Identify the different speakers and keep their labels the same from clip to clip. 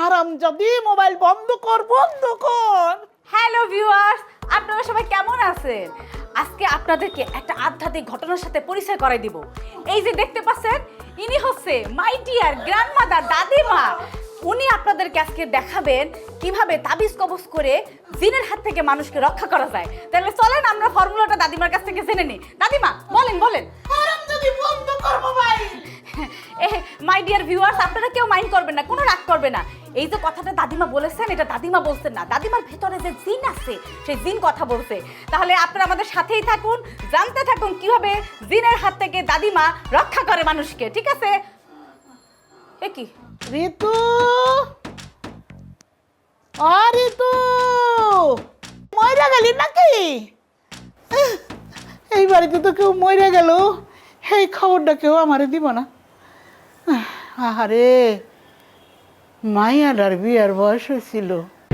Speaker 1: হারামজাদি mobile বন্ধ কর।
Speaker 2: Hello viewers, আপনারা সবাই কেমন আছেন? আজকে আপনাদেরকে একটা আধ্যাত্মিক ঘটনার সাথে পরিচয় করাই দিব। এই যে দেখতে পাচ্ছেন, ইনি হচ্ছে মাই ডিয়ার গ্র্যান্ডমাদার, দাদিমা। উনি আপনাদেরকে আজকে দেখাবেন কিভাবে তাবিজ কবজ করে জিনের হাত থেকে মানুষকে রক্ষা করা যায়। তাহলে চলেন আমরা ফর্মুলাটা দাদিমার কাছ থেকে জেনে নিই। দাদিমা বলেন।
Speaker 1: হারামজাদি বন্ধ কর মোবাইল।
Speaker 2: মাই ডিয়ার ভিউয়ার্স, আপনারা কেউ মাইন্ড করবেন না, কোনো রাগ করবে না। এই যে কথাটা দাদিমা বলেছেন, এটা দাদিমা বলছেন না, দাদিমার ভেতরে যে জিন আছে সেই জিন কথা বলছে। তাহলে আপনারা আমাদের সাথেই থাকুন, জানতে থাকুন কিভাবে জিনের হাত থেকে দাদিমা রক্ষা করে মানুষকে। ঠিক আছে? এ কি
Speaker 1: ঋতু, ঋতু মইরা গেলি নাকি? এই বাড়িতে তো কেউ মইরা গেল, এই খবরটা কেউ আমারে দিব না। আহারে, মাইয়াটার বিয়ার বয়স হয়েছিল।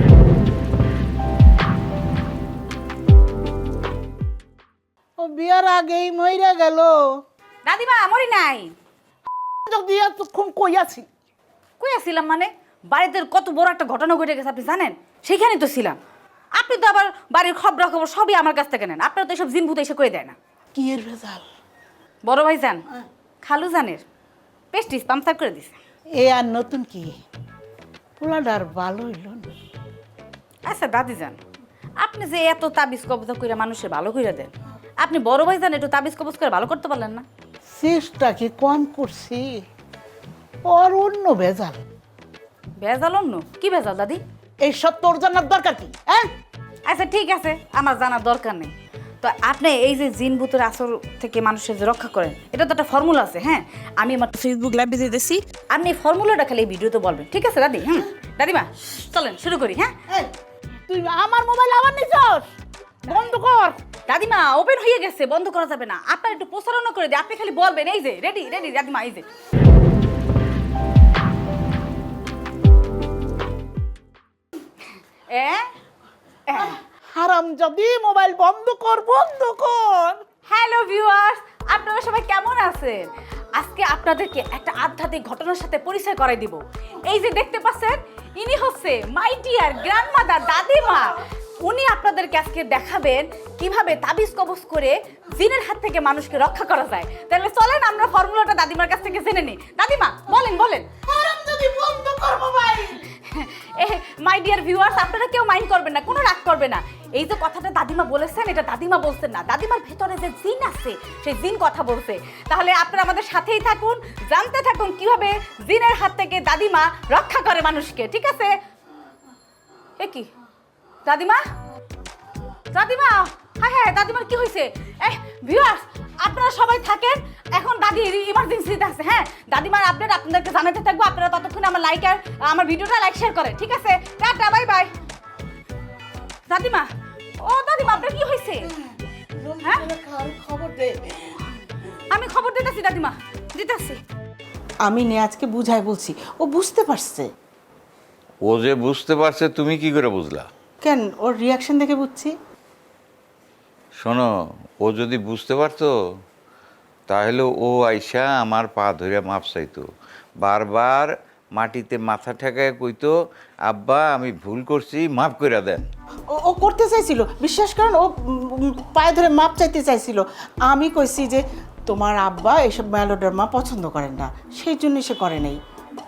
Speaker 1: ও বিয়ার আগেই মইরা গেল।
Speaker 2: দাদিমা মরি নাই।
Speaker 1: যদি এতক্ষণ কই আছি?
Speaker 2: কই আসছিলাম মানে? বাড়িতে কত বড় একটা ঘটনা ঘটে গেছে আপনি জানেন? সেইখানেই তো ছিলাম। আপনি তো আবার বাড়ির খবর সবই আমার কাছ থেকে নেন। আপনারা তো এসব জিন ভূত এসে করে দেয় না।
Speaker 1: কি এর ভেজাল?
Speaker 2: বড় ভাই জান, খালু জানের পেস্টিস পাম্পসার করে দিছে।
Speaker 1: এ আর নতুন কি? পোলাডার ভালো হইল না।
Speaker 2: আচ্ছা দাদি যান, আপনি যে এত তাবিজ কবজ করে মানুষের ভালো করে দেন, আপনি বড় ভাই জান একটু তাবিজ কবজ করে ভালো করতে পারলেন না?
Speaker 1: চেষ্টা কি কম করছি? ওর অন্য ভেজাল।
Speaker 2: ভেজাল অন্য কি ভেজাল দাদি?
Speaker 1: এই সব তোর জানার দরকার কি? হ্যাঁ,
Speaker 2: আচ্ছা ঠিক আছে, আমার জানার দরকার নেই। তো আপনি এই যে জিন ভূতের আসর থেকে মানুষের যে রক্ষা করেন, এটা তো একটা ফর্মুলা আছে। হ্যাঁ, আমি আমার ফেসবুক লাইভে দিয়ে দিয়েছি, আপনি এই ফর্মুলাটা খালি এই ভিডিওতে বলবেন। ঠিক আছে দাদি? দাদিমা চলেন শুরু করি। হ্যাঁ,
Speaker 1: এই, তুই আমার মোবাইল আবার নিছস? বন্ধ কর।
Speaker 2: দাদিমা ওপেন হয়ে গেছে, বন্ধ করা যাবে না। আপনার একটু প্রচারণা করে দিই, আপনি খালি বলবেন এই যে রেডি দাদিমা, এই যে
Speaker 1: হারামজাদি মোবাইল বন্ধ কর।
Speaker 2: হ্যালো ভিউয়ার্স, আপনারা সবাই কেমন আছেন? আজকে আপনাদেরকে একটা আধ্যাত্মিক ঘটনার সাথে পরিচয় করাই দিব। এই যে দেখতে পাচ্ছেন, ইনি হচ্ছে মাই ডিয়ার গ্র্যান্ডমাদার, দাদিমা। উনি আপনাদেরকে আজকে দেখাবেন কিভাবে তাবিজ কবজ করে জিনের হাত থেকে মানুষকে রক্ষা করা যায়। তাহলে চলেন আমরা ফর্মুলাটা দাদিমার কাছ থেকে জেনে নিই। দাদিমা বলেন।
Speaker 1: হারামজাদি বন্ধ কর মোবাইল।
Speaker 2: মাই ডিয়ার ভিউয়ার্স, আপনারা কেউ মাইন্ড করবেন না, কোনো রাগ করবে না। এই যে কথাটা দাদিমা বলেছেন, এটা দাদিমা বলছেন না, দাদিমার ভেতরে যে জিন আছে সেই জিন কথা বলছে। তাহলে আপনারা আমাদের সাথেই থাকুন, জানতে থাকুন কিভাবে জিনের হাত থেকে দাদিমা রক্ষা করে মানুষকে। ঠিক আছে? এ কি দাদিমা হ্যাঁ দাদিমার কি হয়েছে? ভিউয়ার্স, আপনারা সবাই থাকেন, এখন দাদি ইমার্জেন্সিতে আছে। হ্যাঁ, দাদিমার আপডেট আপনাদেরকে জানাতে থাকবো। আপনারা ততক্ষণ আমার ভিডিওটা লাইক শেয়ার করেন। ঠিক আছে? Tata, bye bye. দাদিমা আপনার কি হয়েছে? হ্যাঁ,
Speaker 1: খবর দে।
Speaker 2: আমি খবর দিতেছি দাদিমা, দিতেছি।
Speaker 1: আমি নিয়াজকে বুঝাই বলছি, ও বুঝতে পারছে।
Speaker 3: ও যে বুঝতে পারছে, তুমি কি করে বুঝলা?
Speaker 1: কেন, ওর রিয়াকশন দেখে বুঝছি।
Speaker 3: শোনো, ও যদি বুঝতে পারতো তাহলে ও আইসা আমার পা ধরে মাপ চাইতো, বারবার মাটিতে মাথা ঠেকায় কইতো, আব্বা আমি ভুল করছি, মাফ করে দেন।
Speaker 1: ও করতে চাইছিল, বিশ্বাস করেন, ও পায়ে ধরে মাপ চাইতে চাইছিল। আমি কইছি যে তোমার আব্বা এসব মেলোড্রামা পছন্দ করেন না, সেই জন্য সে করে নাই।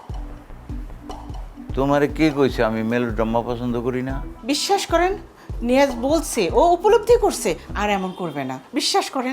Speaker 3: তোমারে কে কইছে আমি মেলোড্রামা পছন্দ করি না?
Speaker 1: বিশ্বাস করেন, নিয়াজ বলছে, ও উপলব্ধি করছে, আর এমন করবে না, বিশ্বাস করেন।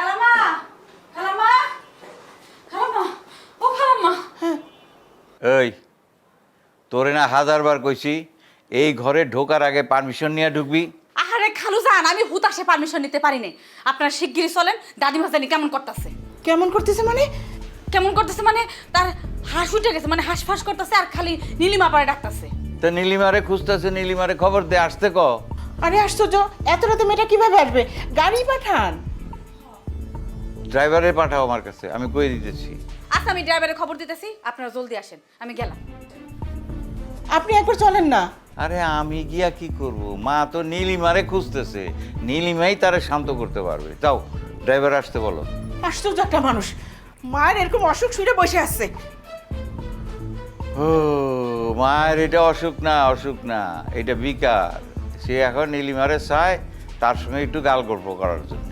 Speaker 3: এই, তোরে না 1000 বার কইছি এই ঘরে ঢোকার আগে পারমিশন নিয়ে ঢুকবি।
Speaker 2: আরে খালু জান, আমি হুতাশে পারমিশন নিতে পারি না। আপনারা শিগগিরই চলেন। দাদিমা জানি কেমন করতেছে।
Speaker 1: কেমন করতেছে মানে?
Speaker 2: তার হাঁস উঠে গেছে, মানে হাঁসফাঁস করতেছে আর খালি নীলিমা পাড়ে ডাকতেছে।
Speaker 3: তা নীলিমারে খুঁজতেছে, নীলিমারে খবর দে, আসতে ক।
Speaker 1: আরে আশ্চর্য, এত রাতে মেয়েটা কিভাবে আসবে? গাড়ি পাঠান।
Speaker 3: ড্রাইভারে পাঠাও আমার কাছে, আমি কই দিতেছি।
Speaker 2: আচ্ছা, আমি ড্রাইভারের খবর দিতেছি, আপনারা জলদি আসেন, আমি গেলাম।
Speaker 1: আপনি একবার চলেন না।
Speaker 3: আরে আমি গিয়া কি করব? মা তো নীলিমারে খুঁজতেছে, নীলিমাই তারে শান্ত করতে পারবে। যাও, ড্রাইভার আসতে বলো।
Speaker 1: আশ্চর্য একটা মানুষ, মায়ের এরকম অসুখ শুনে বসে আসছে।
Speaker 3: ও মায়ের এটা অসুখ না, অসুখ না, এটা বিকার। সে এখন নীলিমারে চায় তার সঙ্গে একটু গাল গল্প করার জন্য।